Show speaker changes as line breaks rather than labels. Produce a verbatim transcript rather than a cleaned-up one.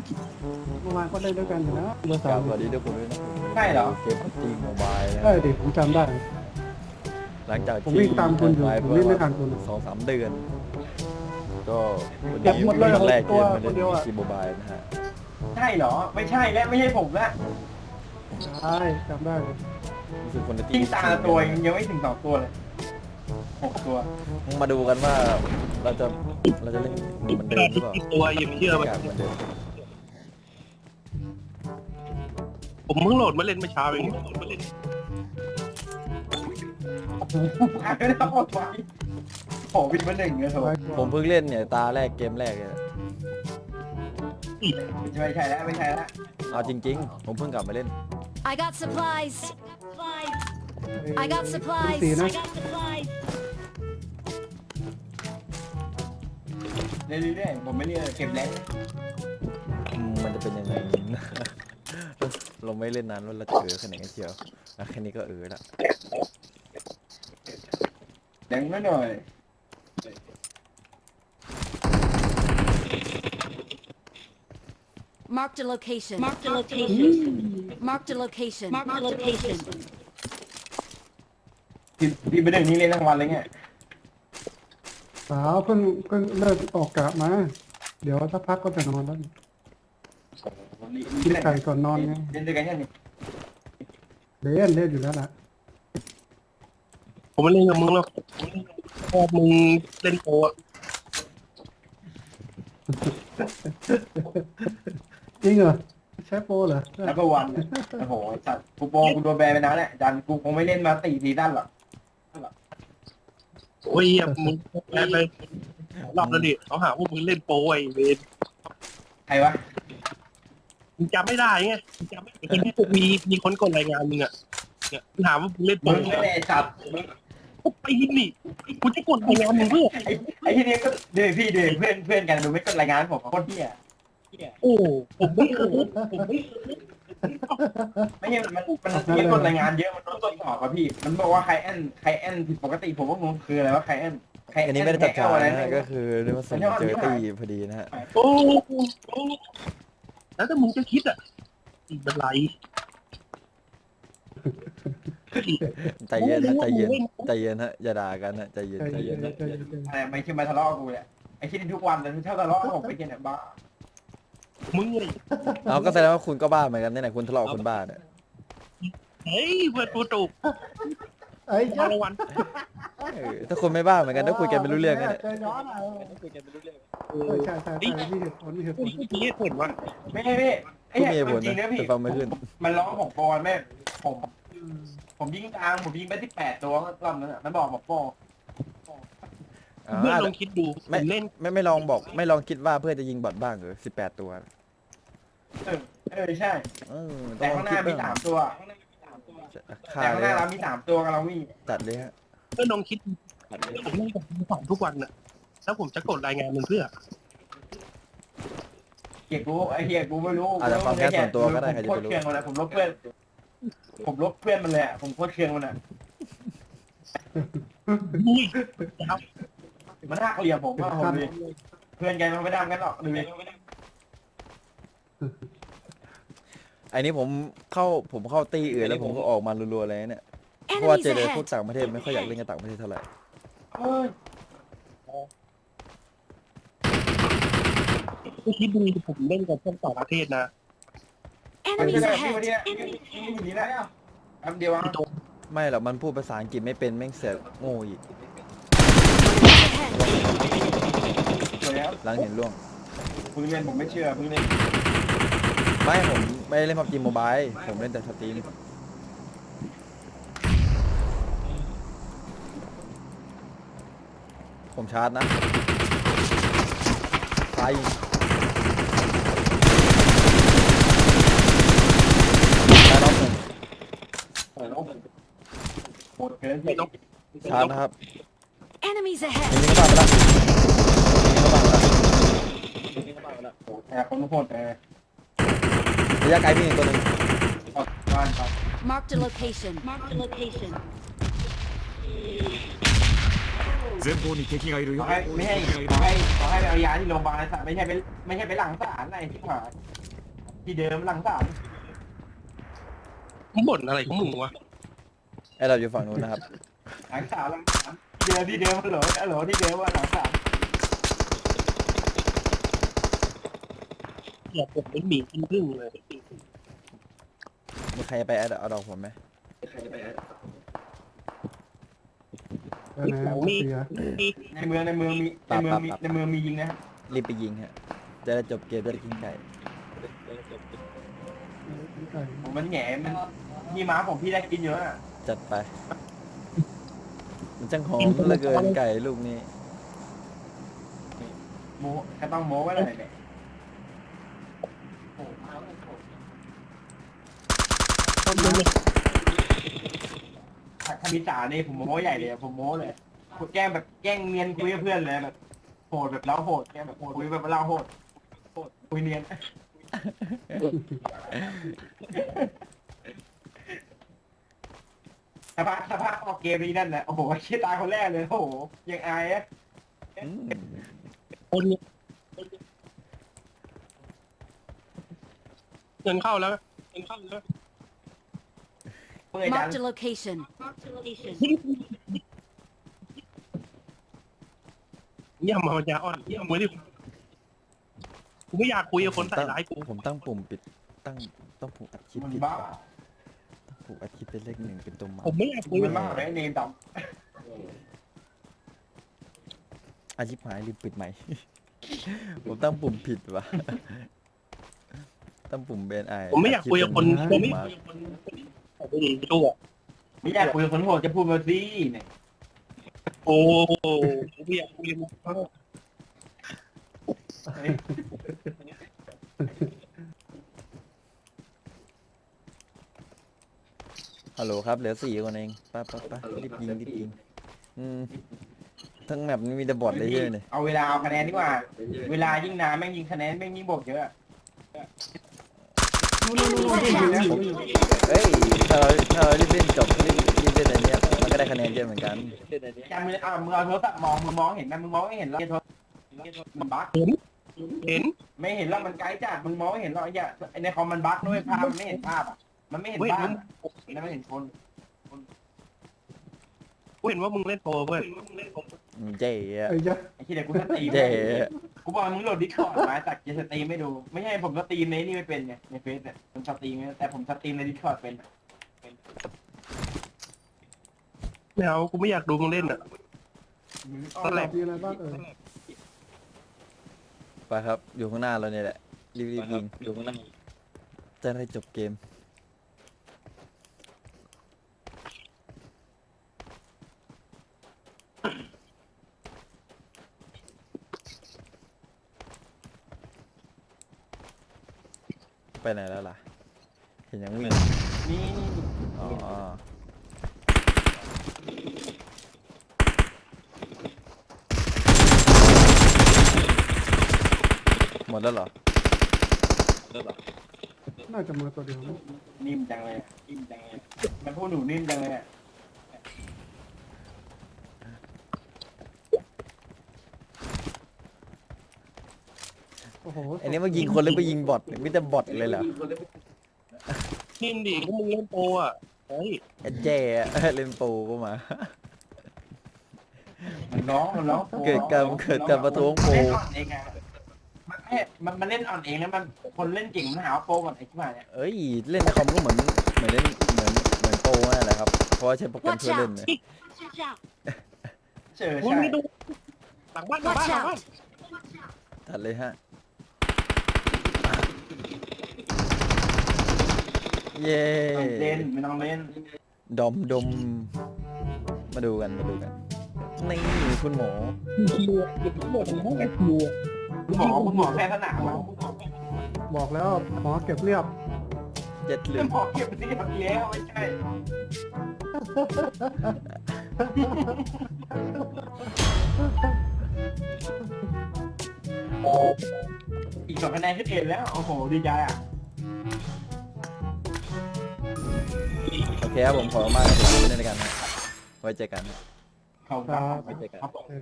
เมื่อวานก็เล่นด้วยกันอยู่นะเมื่อ
ค
สา
รั
ม
บสวัสดีทุกคนด้วยนะ
ใช่เหรอ
เกมพับจีโมบายนะ
ใช่ดิผมจำได้
หลังจาก
ผม
ที่
วิ่งตามคุณอยู่
ไป
ผมวิ่งไม่ทันคุณ
สองสามเดือน ก็วัน
เก็บ
นี้
หมดเลย
วันแรก
ตัว
เกมมาเล่น
คนเดียวอะ
จีโมบายนะฮะ
ใช่เหรอไม่ใช่และไม่ใช่ผมละ
ใช่จำได้เลย
รู้สึกคนใน
ทิ้งตาตัวยังไม่ถึงสองตัวเลยหกตัว
มาดูกันว่าเราจะเราจะเล่นเหมือนเดิมหรือเปล่า
ตัวอย่าไปเชื่อมัน
อยากเหมือนเดิม
ผมเพิ่งโหลดมาเล่นเมื่อเช้าเองมาเล่น
ไม่ได้ต้องหมดไว้โอ้วินมาหนึ่งเลยโถ
ผมเพิ่งเล่นเนี่ยตาแรกเกมแรกเลย
ไม่ใช่แล้วไม่ใช่แล้ว
เอาจริงๆ ผมเพิ่งกลับมาเล่น
I got supplies. I got
คุณ
supplies.
สีนะ
เรื่อยๆผมไม่เรียกเก็บแรง
อืมมันจะเป็นยังไง เราไม่เล่นนานแล้วเราจะเออขนาดนี้เชียวนะแค่นี้ก็เออละ
แรงไม่หน่อย
Marked a location. Marked a location. Marked a location. Marked a location.
พี่พี่ไปหนึ่งนี่เล่นทั้งวันเลยไง
สาวเพิ่งเพิ่งเลิกออกกะมา เดี๋ยวถ้าพักก็จะนอนแล้วกินไก่ก่อนนอนไง
เล่นด้วยกันยังนี่
เล่นเล่นอยู่แล้วล่ะ
ผมไม่เล่นกับมึงหรอกพอมึงเล่นโปรอะ
จริงเหรอใช้โปรเหรอ
นับวันโอ้โหสัตว์กูโปงกูโดนแบนไปนานแล้วจันกูคงไม่เล่นมาสี่ซีซั่นหรอก
โอ้ยมึงแพ้ไปรอบแล้วดิเขาหาว่ามึงเล่นโปรไอ้เวร
ใครวะ
มึงจำไม่ได้ไงมึงจำไม่ได้มีมีคนกดรายงานมึงอะเนี่ยถามว่ามึงเล่นโปร
มึงไม่ได้สัตว์
ไปยินนี่กูจะกดรายงานมึงเพื่อ
ไอ้ไอ้ที่นี้ก็เดี๋ยวพี่เดี๋ยวเพื่อนเพื่อนกันดูไม่กดรายงานผมโคตรเหี้ย
โอ้ผมไม่เคยผมไม่เคย
ไม่ใช่มันมันมีคนรายงานเยอะมันต้องตรวจสอบอะพี่มันบอกว่าใครแอนใครแอนผิดปกติผมก็งงคืออะไรว่าใครแอนใคร
อันนี้ไม่ได้ตัดขานะฮะก็คือเรียกว่าส่งเจอตีพอดีนะฮะ
โอ้แล้วถ้ามึงจะคิดอะอีกเป็นไร
ใจเย็นนะใจเย็นใจเย็นฮะอย่าด่ากันฮะใจเย็น
ใจ
ใจ
เย็
เย็
น
น
ใจเย็นใจเย็น
อะไรไม่ใช่มาทะเลาะกูเนี่ยไอ้ที่ทุกวันเลยถ้าทะเลาะผมไปกินเนี่ยบ้า
มึงเลย
เอาก็แสดงว่าคุณก็บ้าเหมือนกันนี่ไหนคุณทะเลาะกับคนบ้าเนี่ย
เฮ้ยเพื่อนกูถูก
ไอ้
มารางวัล
เออถ้าคุณไม่บ้าเหมือนกันถ้าคุยกันไม่รู้เรื่องกันเนี่ย
ใจร้อนอ่ะ
คุยกันไม่รู้เรื่อง
เออใช่ใช่ใช่มีเหตุผลมีเหตุผล
พี่เห็นว่า
ไม่ใช่พี่ไอ้
ก็มี
เนี่ย
เหตุผล
จริง
นะ
นะพี่
แต่ฟังไม่ขึ้น
มันร้องผมปอนแม่ผมผมยิงกลางผมยิงไปที่แปดตัวรอบนั้นอ่ะมันบอกบอกโป้
อ่า
เพื่อนลองคิดดูผมเล่น
ไม่ไม่ลองบอกไม่ลองคิดว่าเพื่อจะยิงบอทบ้างเหรอสิบแปดตัว
เออเออใช่
เออต้
แต่
องลอ
ข้าง งห
คิด
น้ามี
บ้าง
สามตัว
ฆ่า
แต่ข้าง
เล
ห
ย
น้าเรามีสามตัวกับเราวิ่ง
จัดเลยฮะ
เพื่อนลองคิดผมเล่นกับสองทุกวันน่ะแล้วผมจะกดรายงานมึงเพื่อ
เกียกูไอ้เกียกูไม่รู้
อาจจะความแค้นส่วนตัวก็ได้ใคร
ผม
จะ
โค
ไปรู้
ตรเคืองมันนะผมลบเพื่อนผมลบเพื่อนมันเลยอ่ะผมโคตรเคืองมันอ่ะ
มุ้ยครับ
มันหักเหลี่ยมผมว่าผมเลยเพื่อนกันมันไม่ดังกันหรอกดูดิ
ไอ้นี้ผมเข้าผมเข้าตีอื่นแล้วผมก็ออกมารัวๆเลยเนี่ยเพราะว่า
Enemies
เจอพวก
ahead.
ต่างประเทศไม่ค่อยอยากเล่นกับต่างประเทศเท่าไหร่
เอ้ย
ไม่คิดดูผมเล่นกับพวกต่างประเทศนะ
มันจะ
Enemies
แบบนี้วัน
ahead.
นี้นี่อยู่นี่แล้วแป๊บเดียวอ่ะ
ไม่หรอกมันพูดภาษาอังกฤษไม่เป็นแม่งเสียโง่อีก
สวยแล้ว
หลังเห็นล่วง
เพิ่งเล่นผมไม่เชื่อเพิ่งเล่น
ไม่ผมไม่ได้เล่นพับจีโมบายผมเล่นแต่สตรีมผมชาร์จนะไฟชาร์จน้องผม
โอ้โหโหดเกิน
ไม่ต้อง
ชาร์จนะครับ
Enemies ahead.
ยิงเข้าบ้านไปละยิงเข้าบ้านไปละ
โอ้โหแต่คนโหดแต่
ระยะไกลมีอีกตัวหนึ่ง
ออกบ้านครับ
Marked a location. Marked a location.
前方に敵がいるよ
ขอให้ไม่ให้ขอให้ขอให้ให้ไปเอายาที่โรงพยาบาลสัตว์ไม่ใช่ไปไม่ใช่ไปหลังศาลไหนที่หายที่เดิมหลังศาล
มึงบ่นอะไรของมึงวะ
ไอ้เราอยู่ฝั่งนู้นนะครับ
หลังศาลหลังศาลที่เดิมที่เดิมฮัลโหลฮัลโหลที่เดิมว่าหลังศาล
อย่าบ่นเป็นหมีกินพึ่งเลย
มีใครไปเอาเอาดอกผมไหม
เออนะเสีย
ในเมืองในเมืองมีในเมืองมีในเมืองมียิงนะครับ
รีบไปยิงฮะจะได้จบเกมจะได้กินไก่
ผมมันแหง่มันพี่ม้าผมพี่ได้กินเยอะอ่ะ
จัดไป มันจังหอมเหลือเกินไก่ลูกนี้
โม้ก็ต้องโม้ไว้เลยเนี่ยถ้ามีจ่าเนี่ยผมโม้ใหญ่เลยผมโม้เลยแกล้งแบบแกล้งเนียนคุยกับเพื่อนเลยแบบโหดแบบเราโหดแกล้งแบบคุยแบบเราโหดโหดคุยเนียนสภาพสภาพออกเกมนี้นั่นแหละโอ้โหชี้ตายคนแรกเลยโอ้โหยังอายอ่ะ
อืม
คนเงินเข้าแล้วเงินเข้าแล้ว
เมื่อยจัง
Marked a location. Marked a location.
เยี่ยมมาปัญญาอ่อนเยี่ยมมือดิกูไม่อยากคุยกับคนใส่ร้ายกู
ผมตั้งปุ่มปิดตั้งต้องผูกอัดคลิป
มัน
ผิด
บ้า
ต้องผูกอัดคลิปเป็นเลขหนึ่งเป็นตัวหมา
ผมไม่อยากคุย
มั
กับ
นบ้าเลยเนมด
อาชิบหายลืมปิดใหม่ ผมตั้งปุ่มผิดว่ะ ตั้งปุ่มเบนไอ
ผมไม่อยากคุยกับคนผมไม่
มา
ไม่ดีตัว
ำไม่อยากคุยกับคนโหดจะพูดมาสิเนี่ย
โอ้ผมไม่อยากคุยกับมึง
ฮัลโหลครับเหลือสี่คนเองไป้าป้าป้ารีบยิงรีบยิงอืมทั้งแมปนี้มีแต่บอทเลยเยอะเลย
เอาเวลาเอาคะแนนดีกว่า เวลายิ่งนานแม่งยิงคะแนนแม่งยิ่งบวกเยอะ
เฮ้ยถ้าเราถ้าเรารีบเล่นจบรีบรีบเล่นอันเนี้ยมันก็ได้คะแนนเยอะเหมือนกัน
จำมือเอามือเอาโทรศัพท์มองมือมองเห็นไหมมึงมองไม่เห็นหรอกโทรมันบั๊ก
เห็น
ไม่เห็นหรอกมันไกลจัดมึงมองไม่เห็นหรอกไอ้เหี้ยไอ้ในคอมมันบั๊กด้วยภาพมันไม่เห็นภาพอ่ะมันไม่เห็น
เว้ย
บ้านมันไม่เห็นคน
กูเห็นว่ามึงเล่นโปรเว้ย
เจ๊อะ
ไอ้ยะ
ไอ้ที่เดี๋ยวกูสตรีม
เจ๊
กูบอกมึงโหลดดิสคอร์ดมาจากจะสตรีมไม่ดู ไม่ใช่ผมสตรีมในนี่ไม่เป็นไงในเฟซเนี่ยผมสตรีมแต่ผมสตรีมในดิสคอร์ดเป็น
ไม่เอากูไม่อยากดูมึงเล่นอ่ะ
ตลาดมีอะไรบ้างเออ
ไปครับอยู่ข้างหน้าเราเนี่ยแหละรีบรีบยิงอยู่ข้างหน้าจะได้จบเกมไปไหนแล้วล่ะ เห็นยังวิ่ง
นี่
อ๋อหมดแล้วเหรอ
น่าจะมือตัวเดียวนะ
นิ่มจังเลยอะนิ่มจังเลยมันพูดหนูนิ่มจังเลยอะ
โอ้โห
อันนี้มายิงคนหรือไปยิงบอทมีแต่บอทเลยเหรอ
นินดิก็มึงเล่นโปรอ่ะเฮ้ย
ไอ้เจ๊อะเล่นโปรก็มา
มันน้องมันน้อง
เกิดการเกิดการประท้วงโปร
เล่นอ่อนเองไงมันไม่มันมันเล่นอ่อนเองแล้วมันคนเล่นเก่งมันหาว่าโปรก่อนไอ้ที่มาเนี่ย
เอ้ยเล่นในคอมก็เหมือนเหมือนเล่นเหมือนเหมือนโปรนั่นแหละครับเพราะว่าใช้โปรแกรม
Watch
ช่วยเล่น
out.
เนี่ย
Watch out.
เจอ
มึง
ใช่
ไม่ดูหลังบ้านหลังบ้าน
Watch
หลังบ้าน
out.
ตัดเลยฮะเย้
ไม่ต้องเล่นไม่ต้องเล่น
ดมดมมาดูกันมาดูกันนี่คุณหมอ
คิวเก็บทั้งหมดทั้งห้องไอคิว
คุณหมอคุณหมอแพ้สนามอะ
บอกแล้วหมอเก็บเรียบ
เจ็ดเหลื
คุ
อ
ณหมอเก็บเรียบแล้วไม่ใช่อีกสองคะแนนขึ้นเอ็นแล้วโอ้โหดีใจอ่ะ
โอเคครับผมขอมากครับผมเล่นด้วยกันนะไว้เจอกันนะ
ขอบคุณครับ
ไว้เจอกัน
ครับ